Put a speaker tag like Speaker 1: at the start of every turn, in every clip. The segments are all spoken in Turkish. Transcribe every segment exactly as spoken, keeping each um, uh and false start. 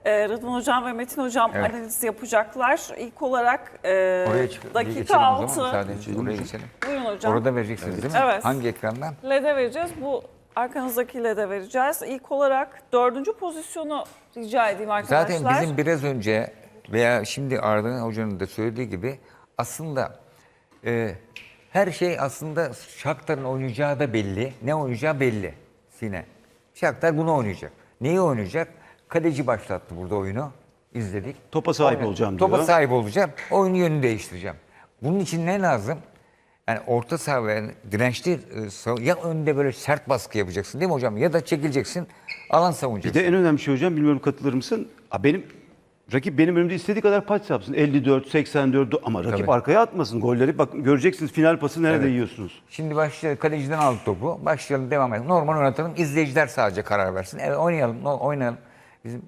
Speaker 1: Ee, Rıdvan Hocam ve Metin Hocam
Speaker 2: Evet.
Speaker 1: analiz yapacaklar. İlk olarak e,
Speaker 2: Oraya çık- bir
Speaker 1: dakika
Speaker 2: geçelim o zaman,
Speaker 1: altı.
Speaker 2: müsaade edin. Oraya geçelim.
Speaker 1: Buyurun hocam.
Speaker 2: Orada vereceksiniz değil mi?
Speaker 1: Evet.
Speaker 2: Hangi ekrandan?
Speaker 1: L E D'e vereceğiz. Bu arkanızdaki L E D'e vereceğiz. İlk olarak dördüncü pozisyonu rica edeyim arkadaşlar.
Speaker 2: Zaten bizim biraz önce veya şimdi Arda Hoca'nın da söylediği gibi aslında e, her şey aslında Shakhtar'ın oynayacağı da belli. Ne oynayacağı belli Sine. Shakhtar bunu oynayacak. Neyi oynayacak? Kaleci başlattı burada oyunu. İzledik.
Speaker 3: Topa sahip
Speaker 2: Oyna-
Speaker 3: olacağım diyor.
Speaker 2: Topa sahip olacağım. Oyun yönünü değiştireceğim. Bunun için ne lazım? Yani orta saha ve dirençli e, sav- ya önde böyle sert baskı yapacaksın değil mi hocam? Ya da çekileceksin, alan
Speaker 3: Bir
Speaker 2: savunacaksın.
Speaker 3: de en önemli şey hocam, bilmiyorum katılır mısın? Aa, Benim rakip benim önümde istediği kadar pas yapsın. elli dört, seksen dört ama rakip
Speaker 2: Tabii.
Speaker 3: arkaya atmasın golleri. Bak göreceksiniz final pası nerede
Speaker 2: Evet.
Speaker 3: yiyorsunuz.
Speaker 2: Şimdi başlayalım. Kaleciden aldık topu. Başlayalım, devam edelim. Normal oynatalım. İzleyiciler sadece karar versin. Evet, oynayalım, no- oynayalım. Bizim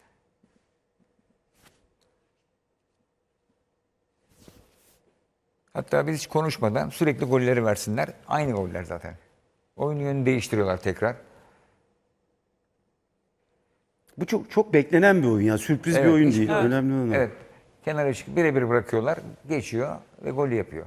Speaker 2: Hatta biz hiç konuşmadan sürekli golleri versinler. Aynı goller zaten. Oyun yönünü değiştiriyorlar tekrar.
Speaker 3: Bu çok çok beklenen bir oyun ya. Sürpriz bir
Speaker 2: Evet,
Speaker 3: oyun
Speaker 2: işte-
Speaker 3: değil.
Speaker 1: Evet.
Speaker 3: Önemli olan o.
Speaker 2: Evet. Kenara çıkıp birebir bırakıyorlar. Geçiyor ve golü yapıyor.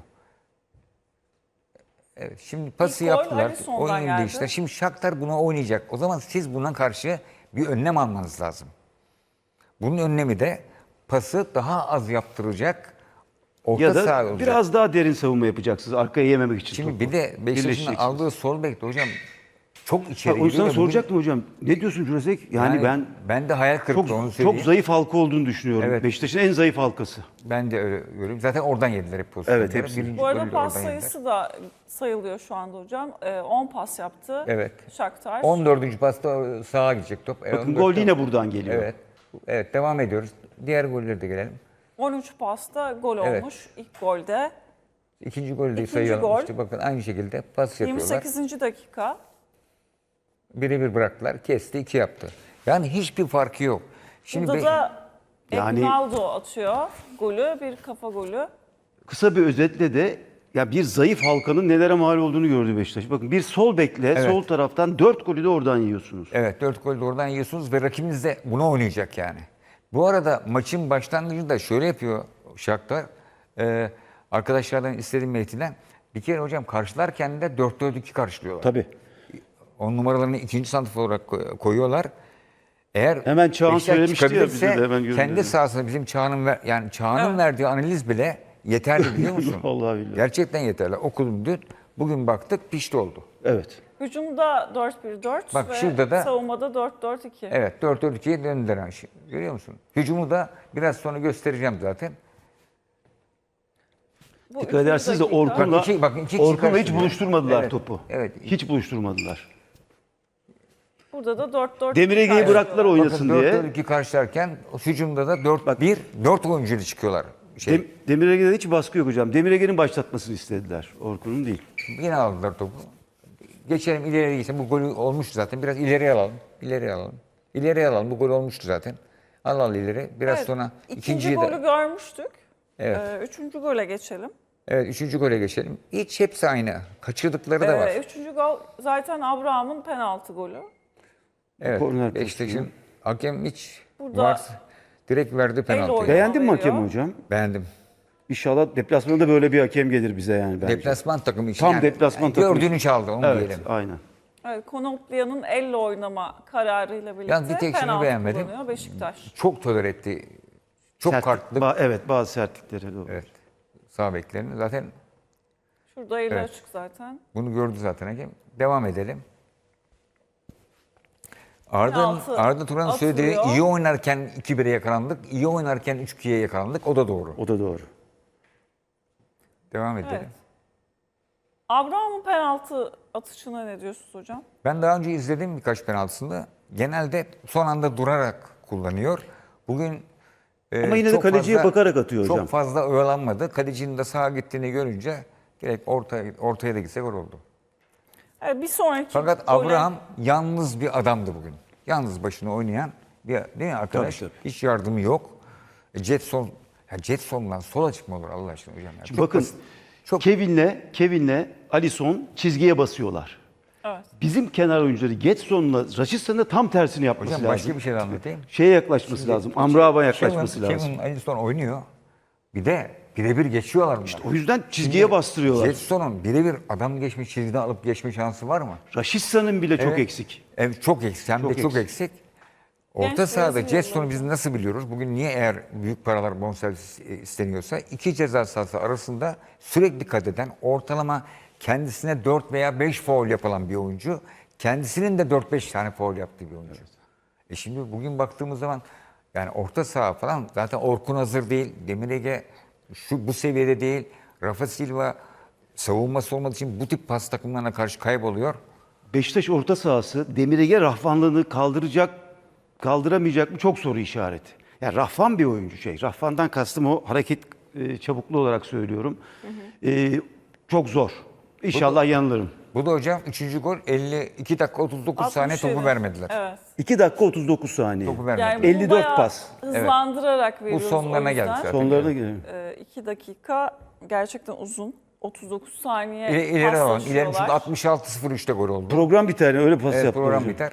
Speaker 2: Evet. Şimdi pası
Speaker 1: İlk gol
Speaker 2: yaptılar.
Speaker 1: Alisson'dan
Speaker 2: Oyunu
Speaker 1: geldi.
Speaker 2: değiştirdiler. Şimdi Shakhtar buna oynayacak. O zaman siz buna karşı bir önlem almanız lazım. Bunun önlemi de pası daha az yaptıracak. Orta
Speaker 3: Ya
Speaker 2: saha
Speaker 3: da
Speaker 2: olacak.
Speaker 3: biraz daha derin savunma yapacaksınız arkaya yememek için.
Speaker 2: Şimdi
Speaker 3: topu.
Speaker 2: bir de Beşiktaş'ın
Speaker 3: Birleşeceksiniz.
Speaker 2: aldığı sol bekte hocam çok
Speaker 3: Ha,
Speaker 2: içeri
Speaker 3: onu sana
Speaker 2: giriyor da bugün-
Speaker 3: soracaktım hocam. Ne diyorsun Jurasek? Yani,
Speaker 2: Yani
Speaker 3: ben
Speaker 2: ben de hayal kırıklığı
Speaker 3: çok
Speaker 2: onu söyleyeyim.
Speaker 3: çok zayıf halka olduğunu düşünüyorum.
Speaker 2: Evet.
Speaker 3: Beşiktaş'ın en zayıf halkası.
Speaker 2: Ben de öyle görüyorum. Zaten oradan yediler hep pozisyonları.
Speaker 3: Evet, hepsi.
Speaker 2: Birinci
Speaker 1: Bu arada
Speaker 2: golü de
Speaker 1: pas
Speaker 2: oradan yediler.
Speaker 1: sayısı da sayılıyor şu anda hocam. Ee, on pas yaptı
Speaker 2: Evet.
Speaker 1: Shakhtar.
Speaker 2: on dördüncü pasta sağa gidecek top. E,
Speaker 3: Bakın
Speaker 2: on dört
Speaker 3: gol
Speaker 2: top.
Speaker 3: yine buradan geliyor.
Speaker 2: Evet. Evet, devam ediyoruz. Diğer gollere de gelelim.
Speaker 1: on üç pasta gol
Speaker 2: Evet.
Speaker 1: olmuş ilk golde.
Speaker 2: İkinci golü de
Speaker 1: İkinci
Speaker 2: sayalım.
Speaker 1: gol.
Speaker 2: İşte bakın aynı şekilde pas
Speaker 1: yirmi
Speaker 2: yapıyorlar.
Speaker 1: sekizinci dakika.
Speaker 2: Birebir bıraktılar. Kesti, iki yaptı. Yani hiçbir farkı yok. Şimdi
Speaker 1: Burada
Speaker 2: be-
Speaker 1: da
Speaker 3: Yani-
Speaker 1: Ronaldo atıyor golü, bir kafa golü.
Speaker 3: Kısa bir özetle de ya bir zayıf halkanın nelere mal olduğunu gördü Beşiktaş. Bakın bir sol bekle,
Speaker 2: Evet.
Speaker 3: sol taraftan dört golü de oradan yiyorsunuz.
Speaker 2: Evet, dört gol de oradan yiyorsunuz ve rakibiniz de buna oynayacak yani. Bu arada maçın başlangıcında şöyle yapıyor Shakhtar. Ee, arkadaşlardan istediğim Metin'den. Bir kere hocam karşılarken de dört dört iki karşılıyorlar.
Speaker 3: Tabii.
Speaker 2: On numaralarını ikinci santrfor olarak koy- koyuyorlar. Eğer
Speaker 3: Hemen Çağan
Speaker 2: Beşiktaş
Speaker 3: söylemişti ya,
Speaker 2: çıkabilirse
Speaker 3: bize de hemen
Speaker 2: kendi
Speaker 3: gördüm.
Speaker 2: sahasında bizim Çağan'ın ver, yani Çağan'ın
Speaker 1: Evet.
Speaker 2: verdiği analiz bile yeterli biliyor musun?
Speaker 3: Vallahi billahi.
Speaker 2: Gerçekten yeterli. Okudum dün. Bugün baktık pişti oldu.
Speaker 3: Evet.
Speaker 1: Hücumda dört bir dört
Speaker 2: Bak
Speaker 1: ve
Speaker 2: şurada da-
Speaker 1: savunmada dört dört iki.
Speaker 2: Evet, dört dört ikiye döndüler. ha. Şi- Görüyor musun? Hücumu da biraz sonra göstereceğim zaten.
Speaker 1: Bu
Speaker 3: Dikkat
Speaker 1: üçüncü
Speaker 3: edersiniz de
Speaker 1: dakika.
Speaker 3: Orkun'la,
Speaker 2: Bak iki- bakın iki kişi
Speaker 3: Orkun'la hiç
Speaker 2: karşılıyor.
Speaker 3: buluşturmadılar
Speaker 2: Evet,
Speaker 3: topu.
Speaker 2: evet.
Speaker 3: Hiç buluşturmadılar.
Speaker 1: Burada da dört dört
Speaker 3: Demir Ege'yi bıraktılar oynasın
Speaker 2: Bakın
Speaker 3: diye.
Speaker 2: dört dört iki karşılarken hücumda da dört bir dört oyuncuyla çıkıyorlar. Şey,
Speaker 3: Dem- Demir Ege'de hiç baskı yok hocam. Demir Ege'nin başlatmasını istediler. Orkun'un değil.
Speaker 2: Yine aldılar topu. Geçelim ileriye geçelim. Bu golü olmuştu zaten. Biraz ileriye alalım. İleriye alalım. İleriye alalım. Bu gol olmuştu zaten. Al al ileri. Biraz
Speaker 1: Evet,
Speaker 2: sonra
Speaker 1: ikinci
Speaker 2: ikinciyi
Speaker 1: golü
Speaker 2: de.
Speaker 1: görmüştük.
Speaker 2: Evet.
Speaker 1: Ee, üçüncü gole geçelim.
Speaker 2: Evet, üçüncü gole geçelim. Hiç hepsi aynı. Kaçırdıkları da var.
Speaker 1: Ee, üçüncü gol zaten Abraham'ın penaltı golü.
Speaker 2: Evet.
Speaker 3: korner
Speaker 2: Beşiktaş'ın hakem hiç
Speaker 1: Burada
Speaker 2: varsa direkt verdi penaltıyı.
Speaker 1: oynadı.
Speaker 3: Beğendin mi
Speaker 1: veriyor.
Speaker 3: hakemi hocam?
Speaker 2: Beğendim.
Speaker 3: İnşallah deplasmanda böyle bir hakem gelir bize yani bence.
Speaker 2: Deplasman takımı için.
Speaker 3: Tam deplasman takımı
Speaker 2: Gördüğünü çaldı onu
Speaker 3: Evet,
Speaker 2: diyelim.
Speaker 3: aynen.
Speaker 1: Evet, Konoplya'nın elle oynama kararıyla birlikte
Speaker 2: Yalnız bir tek şunu
Speaker 1: penaltı
Speaker 2: beğenmedim.
Speaker 1: kullanıyor Beşiktaş.
Speaker 2: Çok tolere etti. Çok
Speaker 3: Sertlik-
Speaker 2: kartlı.
Speaker 3: ba- evet, bazı sertlikleri doğru.
Speaker 2: Evet. Sağ beklerini. Zaten
Speaker 1: Şurada eli
Speaker 2: Evet.
Speaker 1: açık zaten.
Speaker 2: bunu gördü zaten hakem. Devam edelim. Arda,
Speaker 1: Penaltı
Speaker 2: Arda Turan'ın söylediği
Speaker 1: atılıyor.
Speaker 2: iyi oynarken iki bire yakalandık, iyi oynarken üç ikiye yakalandık. O da doğru.
Speaker 3: O da doğru.
Speaker 2: Devam edelim.
Speaker 1: Evet. Abraham'ın penaltı atışına ne diyorsunuz hocam?
Speaker 2: Ben daha önce izledim birkaç penaltısını. Genelde son anda durarak kullanıyor. Bugün e,
Speaker 3: Ama yine de
Speaker 2: çok
Speaker 3: kaleciye
Speaker 2: fazla-
Speaker 3: bakarak atıyor hocam.
Speaker 2: Çok fazla oyalanmadı. Kalecinin de sağa gittiğini görünce direkt ortaya, ortaya da gitse gol oldu.
Speaker 1: Evet, bir sonraki
Speaker 2: Fakat
Speaker 1: gole-
Speaker 2: Abraham yalnız bir adamdı bugün. Yalnız başına oynayan bir değil mi arkadaş?
Speaker 3: Tabii,
Speaker 2: Hiç yardımı yok. E, Jetson, ya Jetson'dan sola çıkma olur Allah aşkına hocam. Ya. Çok
Speaker 3: Bakın
Speaker 2: basit. Çok
Speaker 3: Kevin'le Kevin'le Alisson çizgiye basıyorlar.
Speaker 1: Evet.
Speaker 3: Bizim kenar oyuncuları Getson'la Raşitsa'nın da tam tersini yapması
Speaker 2: Hocam
Speaker 3: lazım.
Speaker 2: başka bir şey de anlatayım.
Speaker 3: Şeye yaklaşması lazım. Amrabat'a yaklaşması
Speaker 2: Kevin,
Speaker 3: lazım.
Speaker 2: Kevin Alisson oynuyor. Bir de birebir geçiyorlar bunlar.
Speaker 3: O yüzden çizgiye bastırıyorlar.
Speaker 2: Getson'un birebir adam geçmiş çizgiden alıp geçme şansı var mı?
Speaker 3: Raşitsa'nın bile çok
Speaker 2: Evet.
Speaker 3: eksik.
Speaker 2: Evet çok eksik. Hem
Speaker 3: Çok
Speaker 2: de çok
Speaker 3: eksik.
Speaker 2: eksik. Orta
Speaker 1: Genç
Speaker 2: sahada
Speaker 1: Brezilyalı
Speaker 2: Getson'u biz nasıl biliyoruz? Bugün niye eğer büyük paralar bonservis isteniyorsa iki ceza sahası arasında sürekli kat eden, ortalama kendisine dört veya beş faul yapılan bir oyuncu, kendisinin de dört beş tane faul yaptığı bir oyuncu. E şimdi bugün baktığımız zaman yani orta saha falan zaten Orkun hazır değil, Demir Ege şu bu seviyede değil, Rafa Silva savunması olmadığı için bu tip pas takımlarına karşı kayboluyor.
Speaker 3: Beşiktaş orta sahası Demirege rahvanlığını kaldıracak, kaldıramayacak mı çok soru işareti. Yani rahvan bir oyuncu şey. Rahvandan kastım o hareket e, çabukluğu olarak söylüyorum. E, çok zor. İnşallah yanılırım.
Speaker 2: Bu da hocam üçüncü gol elli iki dakika otuz dokuz saniye
Speaker 1: altmış yedi.
Speaker 2: topu vermediler.
Speaker 1: Evet.
Speaker 3: iki dakika otuz dokuz saniye.
Speaker 2: Topu
Speaker 1: Yani
Speaker 2: vermediler.
Speaker 1: bunu
Speaker 3: elli dört
Speaker 1: bayağı
Speaker 3: pas.
Speaker 1: hızlandırarak veriyoruz.
Speaker 2: sonlarına
Speaker 1: o yüzden.
Speaker 2: geldi zaten.
Speaker 3: Sonlarına gelelim.
Speaker 1: iki dakika gerçekten uzun. otuz dokuz saniye
Speaker 2: İleri, ileri alalım. İleri çünkü
Speaker 1: paslaşıyorlar.
Speaker 2: altmış altı sıfır üçte gol oldu.
Speaker 3: Program biter öyle pas
Speaker 2: Evet,
Speaker 3: yaptı
Speaker 2: program
Speaker 3: hocam.
Speaker 2: biter.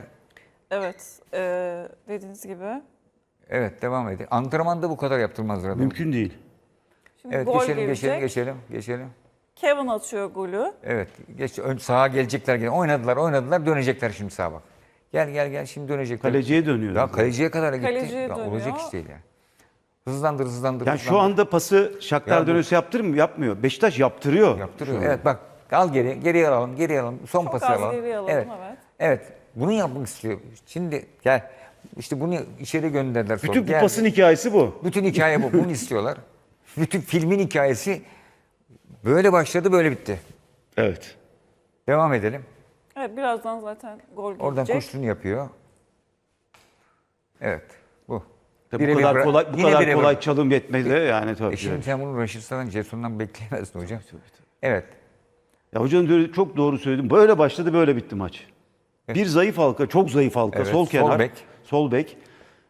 Speaker 1: Evet. E, dediğiniz gibi.
Speaker 2: Evet devam edin. Antrenmanda bu kadar yaptırmazlar adamı.
Speaker 3: Mümkün değil.
Speaker 1: Şimdi
Speaker 2: Evet
Speaker 1: gol
Speaker 2: geçelim
Speaker 1: gelecek.
Speaker 2: geçelim geçelim geçelim.
Speaker 1: Kevin atıyor golü.
Speaker 2: Evet geç ön sağa gelecekler gene. Oynadılar oynadılar dönecekler şimdi sağa bak. Gel gel gel şimdi dönecekler.
Speaker 3: Kaleciye dönüyor.
Speaker 2: Ya kaleciye kadar gitti.
Speaker 1: Kaleciye
Speaker 2: Ya,
Speaker 1: dönüyor.
Speaker 2: olacak iş değil yani. Hızlandır hızlandır.
Speaker 3: Yani
Speaker 2: hızlandır.
Speaker 3: şu anda pası Shakhtar
Speaker 2: Ya bu-
Speaker 3: dönüşü yaptırır mı? Yapmıyor. Beşiktaş yaptırıyor.
Speaker 2: Yaptırıyor. Evet bak al geri, geriye alalım, geriye alalım. Son
Speaker 1: Çok
Speaker 2: pası
Speaker 1: az
Speaker 2: alalım.
Speaker 1: geriye alalım,
Speaker 2: evet.
Speaker 1: evet.
Speaker 2: Evet. Bunu yapmak istiyor. Şimdi gel. İşte bunu içeri gönderdiler sonra.
Speaker 3: Bütün bu
Speaker 2: Geldi.
Speaker 3: pasın hikayesi bu.
Speaker 2: Bütün hikaye bu. Bunu istiyorlar. Bütün filmin hikayesi böyle başladı, böyle bitti.
Speaker 3: Evet.
Speaker 2: Devam edelim.
Speaker 1: Evet birazdan zaten gol gelecek.
Speaker 2: Oradan koştuğunu yapıyor. Evet. Bu.
Speaker 3: Tabii bu
Speaker 2: Birebir
Speaker 3: kadar
Speaker 2: bıra-
Speaker 3: kolay bu
Speaker 2: yine
Speaker 3: kadar
Speaker 2: birebir.
Speaker 3: kolay çalım yetmedi yani tabii.
Speaker 2: E şimdi sen bunu Raşitsa'dan, Jetson'dan bekleyemezdin hocam. Evet.
Speaker 3: Ya hocam diyor, çok doğru söyledim. Böyle başladı, böyle bitti maç. Bir zayıf halka, çok zayıf halka,
Speaker 2: Evet,
Speaker 3: sol
Speaker 2: sol
Speaker 3: kenar,
Speaker 2: bek.
Speaker 3: sol bek.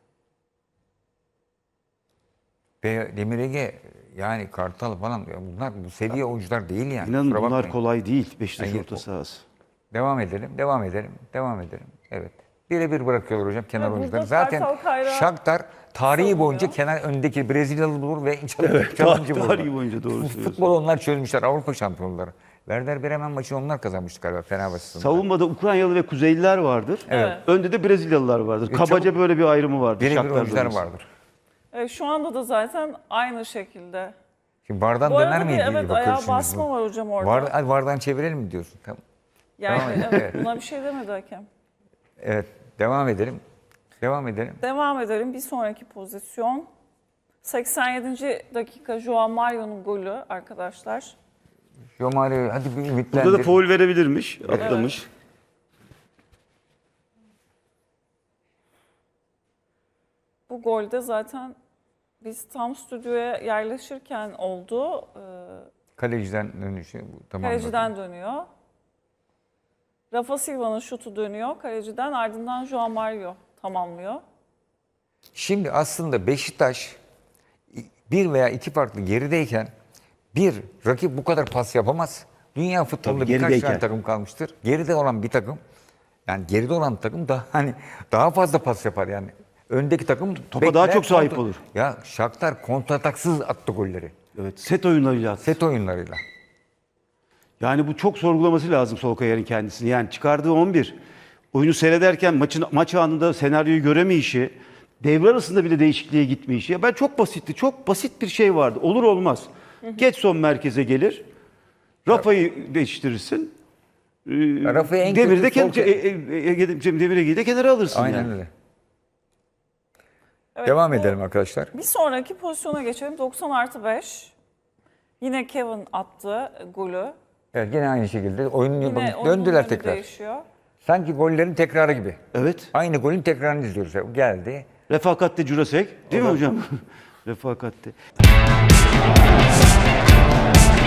Speaker 2: Ve Demir Ege yani Kartal falan ya bunlar bu seviye oyuncular değil yani.
Speaker 3: İnanın
Speaker 2: Kusura
Speaker 3: bunlar
Speaker 2: bakmayın.
Speaker 3: kolay değil Beşiktaş
Speaker 2: Yani
Speaker 3: orta
Speaker 2: o-
Speaker 3: sahası.
Speaker 2: Devam edelim, devam edelim, devam edelim. Evet. Birebir bırakıyorlar hocam kenar
Speaker 1: Ve burada
Speaker 2: oyuncuları. Zaten
Speaker 1: Kartal Kayra
Speaker 2: Shakhtar tarihi
Speaker 1: savunuyor.
Speaker 2: boyunca kenar öndeki Brezilyalı bulur ve çalım,
Speaker 3: Evet,
Speaker 2: çalımcı
Speaker 3: tar-
Speaker 2: bulur.
Speaker 3: tarihi boyunca doğru
Speaker 2: Fut-
Speaker 3: söylüyorsun.
Speaker 2: Futbol onlar çözmüşler, Avrupa şampiyonları. Werder Bremen maçını onlar kazanmıştı galiba Fenerbahçe'sinde.
Speaker 3: Savunmada Ukraynalı ve Kuzeyliler vardır.
Speaker 1: Evet.
Speaker 3: Önde de Brezilyalılar vardır. Kabaca
Speaker 2: çabuk-
Speaker 3: böyle bir ayrımı vardır.
Speaker 2: Birebir
Speaker 3: Shakhtar
Speaker 2: oyuncular
Speaker 3: bölgesi.
Speaker 2: vardır.
Speaker 1: Evet, şu anda da zaten aynı şekilde.
Speaker 2: Şimdi Vardan
Speaker 1: Bu
Speaker 2: döner
Speaker 1: arada bir
Speaker 2: miydi?
Speaker 1: evet ayağa basma var hocam orada.
Speaker 2: Var, hadi Vardan çevirelim mi diyorsun? Tamam.
Speaker 1: Yani
Speaker 2: Tamam,
Speaker 1: evet,
Speaker 2: evet.
Speaker 1: buna bir şey demedi hakem.
Speaker 2: Evet, devam edelim. Devam edelim.
Speaker 1: Devam edelim. Bir sonraki pozisyon. seksen yedinci dakika Joao Mario'nun golü arkadaşlar.
Speaker 2: Jomario hadi bir ümitlendir.
Speaker 3: Burada da faul verebilirmiş, atlamış.
Speaker 1: Bu golde zaten biz tam stüdyoya yerleşirken oldu. Ee,
Speaker 2: Kaleciden dönüşü bu tamam.
Speaker 1: Kaleciden dönüyor. Rafa Silva'nın şutu dönüyor. Kaleciden ardından Joao Mario tamamlıyor.
Speaker 2: Şimdi aslında Beşiktaş bir veya iki farklı gerideyken bir rakip bu kadar pas yapamaz. Dünya futbolunda
Speaker 3: Tabii,
Speaker 2: birkaç
Speaker 3: gerideyken.
Speaker 2: tane takım kalmıştır. Geride olan bir takım yani geride olan takım daha hani daha fazla pas yapar yani. Öndeki takım
Speaker 3: Topa daha
Speaker 2: bekler,
Speaker 3: çok sahip
Speaker 2: kontra-
Speaker 3: olur.
Speaker 2: Ya Shakhtar kontrataksız attı golleri.
Speaker 3: Evet, set oyunlarıyla attı.
Speaker 2: Set oyunlarıyla.
Speaker 3: Yani bu çok sorgulaması lazım Solskjaer'in kendisini. Yani çıkardığı on bir, oyunu seyrederken maçın maç anında senaryoyu göremeyişi, devre arasında bile değişikliğe gitmeyişi. Ya ben çok basitti, çok basit bir şey vardı. Olur olmaz. Getson merkeze gelir, Rafa'yı değiştirirsin. Ee,
Speaker 2: Rafa'yı en
Speaker 3: Demir'i de
Speaker 2: kötü sol
Speaker 3: kendi, e, e, e, e, Demir'i de kenara alırsın
Speaker 2: Aynen
Speaker 3: yani.
Speaker 2: öyle.
Speaker 1: Evet,
Speaker 2: Devam
Speaker 1: bu-
Speaker 2: edelim arkadaşlar.
Speaker 1: Bir sonraki pozisyona geçelim. doksan artı beş. Yine Kevin attı golü.
Speaker 2: Evet, yine aynı şekilde oyunun
Speaker 1: Yine
Speaker 2: bakın,
Speaker 1: oyunun
Speaker 2: döndüler
Speaker 1: yönü
Speaker 2: tekrar.
Speaker 1: değişiyor.
Speaker 2: Sanki gollerin tekrarı gibi.
Speaker 3: Evet.
Speaker 2: Aynı golün tekrarını izliyoruz. Geldi.
Speaker 3: Refakatte Jurasek. Değil mi hocam? Refakatte.